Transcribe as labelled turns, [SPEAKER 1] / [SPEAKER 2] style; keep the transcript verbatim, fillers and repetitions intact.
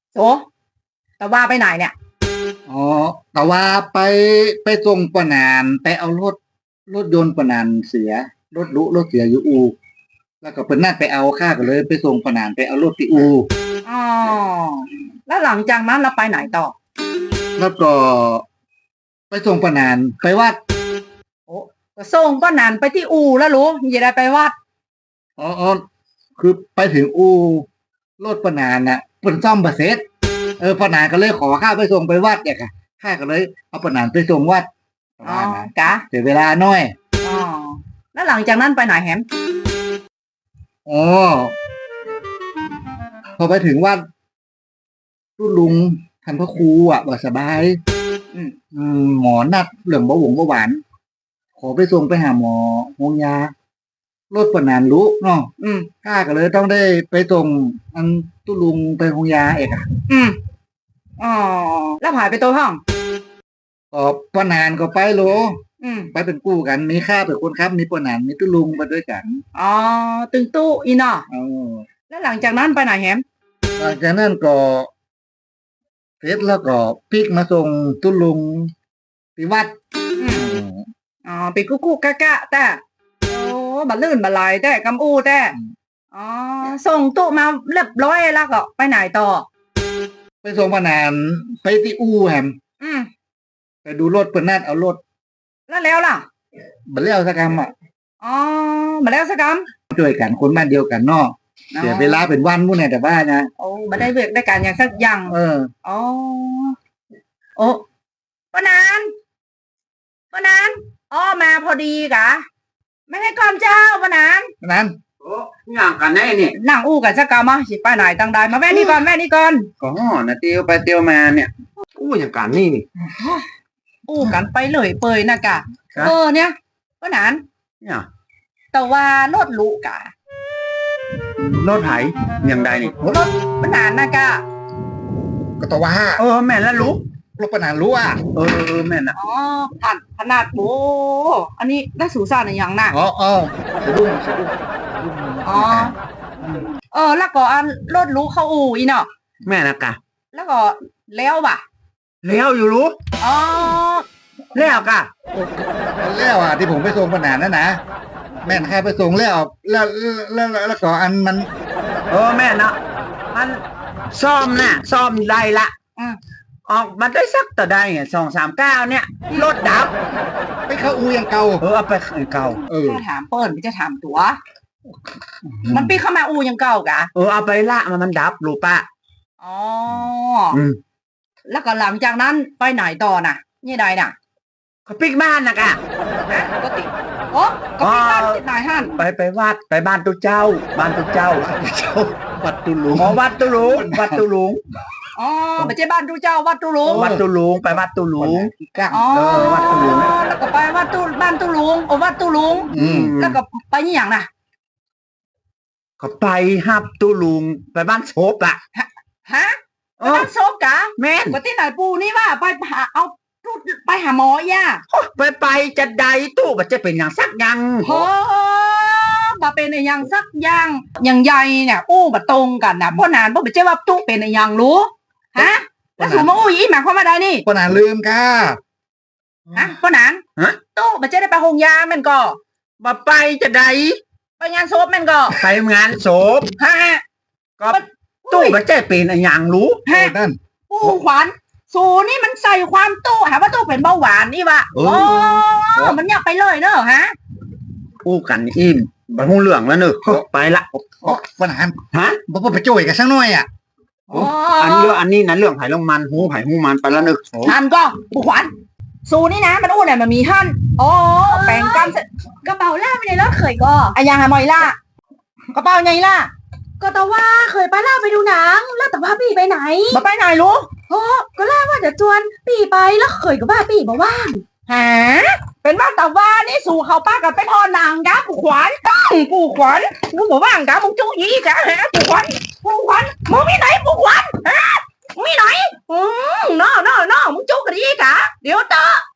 [SPEAKER 1] โสแต่ว่าไปไหนเนี่ย
[SPEAKER 2] อ๋อแต่ว่าไปไปส่งปะนานไปเอารถรถยนต์ปะนานเสียรถลุรถเสียอยู่อูแล้วก็เพิ่นนัดไปเอาข้าก็เลยไปส่งปะนานไปเอารถที่อู
[SPEAKER 1] อ๋อแล้วหลังจากนั้นเราไปไหนต่อ
[SPEAKER 2] แล้วก็ไปส่งปะนานไปวัด
[SPEAKER 1] โอ้ก็ส่งป้านันไปที่อูแล้วรู้อย่าได้ไปวัด
[SPEAKER 2] อ๋ออ๋อคือไปถึงอูรถปะนานน่ะเพิ่นซ่อมบ่เสร็จเออปะนานก็เลยขอข้าไปส่งไปวัดเนี่ยค่ะข้าก็เลยเอาปะนานไปส่งวัด
[SPEAKER 1] อ๋อกะ
[SPEAKER 2] เสียเวลาหน่อย
[SPEAKER 1] อ๋อแล้วหลังจากนั้นไปไหนแฮม
[SPEAKER 2] อ๋อพอไปถึงวัดรุ่นลุงท่านพระครูอ่ะบ่สบายอืมอืมหมอนัดเรื่องเบาหวงเบาหวานขอไปส่งไปหาหมอโรงยารถปะนานรู้เนาะอืมข้าก็เลยต้องได้ไปส่งอันตุลุงไปโรงยาเอกอ่ะ
[SPEAKER 1] อืมอ๋อแล้วหายไปตัวห้อง
[SPEAKER 2] ก็ปะนานก็ไปโลอืมไปเป็นกู้กันมีข้าเป็นคนครับมีปะนานมีตุลุงมาด้วยกัน
[SPEAKER 1] อ๋อตึงตู้อีเนาะอ๋อแล้วหลังจากนั้นไปไหนแฮม
[SPEAKER 2] หลังจากนั้นก็เสร็จแล้วก็ปิกมาส่งตุลุงที่วัดอื
[SPEAKER 1] มอ๋อไปกุ๊กกุ๊กกะกะแต่โอ้บัดลื่นบัดไหลแต่กำอู้แต่อ๋อส่งตู้มาเรียบร้อยแล้วก็ไปไหนต่อ
[SPEAKER 2] ไปส่งปะนานไปที่อู่แฮมอืมไปดูรถเพิ่นนัดเอารถ
[SPEAKER 1] แล้วแล้วล่ะ
[SPEAKER 2] บ่แล้วสักคำอ่ะ
[SPEAKER 1] อ๋อบ่แล้วสักค
[SPEAKER 2] ำช่วยกันคนบ้านเดียวกันเนาะเสียเวลาเป็นวันมุ่นเนี่ยแต่ว่านะ
[SPEAKER 1] โอ้บ่ได้เวิกได้การอย่างสักอย่างเอออ๋อโอ้ปะนานปะนานอ๋อมาพอดีกะไม่ให้ก่อนเจ้าปะนาน
[SPEAKER 2] ปะนานโอ้ย่างกันแน่นี่
[SPEAKER 1] นั่งอู้กันสักกะมาสิไปไหนตั้งได้มาแม่นี่ก่อนแม่นี่ก่อน
[SPEAKER 2] ก็นะเตียวไปเตียวมาเนี่ยอู้อย่างกันนี่นี่
[SPEAKER 1] อู้กันไปเลยเปยนะกะเออเนี่ยปะนานเนี่ยแต่ว่ารถลุกะ
[SPEAKER 2] รถไถอย่างใดนี่
[SPEAKER 1] รถปะนานนะกะ
[SPEAKER 2] ก็ตว่าเออแม่แล้วรู้รถปะนานรู้อ่ะเออแม่น่ะ
[SPEAKER 1] อ๋อผ่านขนาดโอ้อันนี้ได้สูซ่าในอย่างน่ะ
[SPEAKER 2] อ๋ออ๋อสะดุ้งสะดุ้ง
[SPEAKER 1] อ๋อเออแล้วก็อันรถรู้เข้าอู่อีเนาะ
[SPEAKER 2] แม่นะกะ
[SPEAKER 1] แล้วก็แล้วป่ะ
[SPEAKER 2] แล้วอยู่รู้
[SPEAKER 1] อ๋อแล้วกะ
[SPEAKER 2] แล้วอ่ะที่ผมไปส่งปะนานนั่นนะแม่นใครไปส่งแล้วแล้วแล้วแล้วก็อันมันเออแม่นะมันซ่อมน่ะซ่อมไรละออกมาได้สักต่อได้เนี่ยสองสามเก้าเนี่ยรถดับไปเข้าอูยังเก่าเออไปเก่า
[SPEAKER 1] เออถามเปิ้ลไม่จะถามตัวมันปีเข้ามาอูยังเก่ากะ
[SPEAKER 2] เออเอาไปละมันมันดับรู้ปะ
[SPEAKER 1] อ๋อแล้วก็หลังจากนั้นไปไหนต่อน่ะนี่ใดน่ะ
[SPEAKER 2] ก็ปิกบ้านนะกะ
[SPEAKER 1] ก็ติโอ้ก็ปิกบ้านติดไหนฮั่น
[SPEAKER 2] ไปไปวัดไปบ้านตุเจ้าบ้านตุเจ้าวัดตุลุงอ๋อวัดตุลุงวัดตุลุง
[SPEAKER 1] อ๋อไม่ใช่บ้านตุเจ้าวัดตุลุง
[SPEAKER 2] วัดตุลุงไปวัดตุลุง
[SPEAKER 1] อ๋อวัดตุลุงแล้วก็ไปวัดตุบ้านตุลุงโอ้วัดตุลุงแล้วก็ไปนี่อย่างน่ะ
[SPEAKER 2] ก็ไปฮับตุลุงไปบ้านโซบอ่ะ
[SPEAKER 1] ฮะไปบ้านโซบกะ
[SPEAKER 2] แม่
[SPEAKER 1] ปที่ไหนปูนี่ว่าไปหาเอาไปหาหมอย่า
[SPEAKER 2] ไปไปจะใดตู้มันจะเป็นอย่างสักยัง
[SPEAKER 1] โอ้มาเป็นอย่างสักอย่างอย่างใหญ่เนี่ยอู้มาตรงกันนะพ่อนานพ่อไม่ใช่ว่าตู้เป็นอย่างรู้ฮะแล้วสูมาอู้ยี่หมายความว่าได้นี่
[SPEAKER 2] พ่อนานลืมค่ะ
[SPEAKER 1] ฮะพ่อนานฮะตู้มันจะได้ไปหงยามันก็
[SPEAKER 2] มาไปจะใด
[SPEAKER 1] ไปงานศพมันก็
[SPEAKER 2] ไปงานศพ
[SPEAKER 1] ฮะ
[SPEAKER 2] ก็ตู้มันจะเป็นอย่างรู้
[SPEAKER 1] ฮะปู่ขวัญสูนี่มันใส่ความตู้หาว่าตู้เป็นเบาหวานนี่วะโอ้มันอยากไปเลยเนอะฮะ
[SPEAKER 2] อู้กันอิ่มบังหูเหลืองแล้วเนอะไปละปัญหาฮะบ่ไปจ่วยกันสักหน่อยอ่ะอันนี้อันนี้นั้นเรื่องไผ่ลงมันหูไผ่หูมันไปแล้วเนอะ
[SPEAKER 1] ท่านก็ปู่ขวัญสูนี่นะมันอู้เนี่ยมันมีท่านโอ้แปลงกัน
[SPEAKER 3] กระเป๋าล่าไปในรถเคยก็
[SPEAKER 1] อะยังไงมอยล่ะกระเป๋าไงล่ะ
[SPEAKER 3] ก็แต่ว่าเคยไปล่าไปดูหนังแล้วแต่ว่าปีไปไหน
[SPEAKER 1] มาไปไหนรู้
[SPEAKER 3] โอ้ก็ล่าว่าจะจวนปีไปแล้วเคยก็ว่าปีบอกว่า
[SPEAKER 1] ฮะเป็นว่าแต่ว่านี่สู่เขาป้ากับไปพอนางกะปู่ขวัญปู่ขวัญมึงบอกว่างกะมึงจู้ยี่กะฮะปู่ขวัญปู่ขวัญมึงมีไหนปู่ขวัญฮะมีไหนอืมน้อน้อน้อมึงจู้กันยี่กะเดี๋ยวเตอ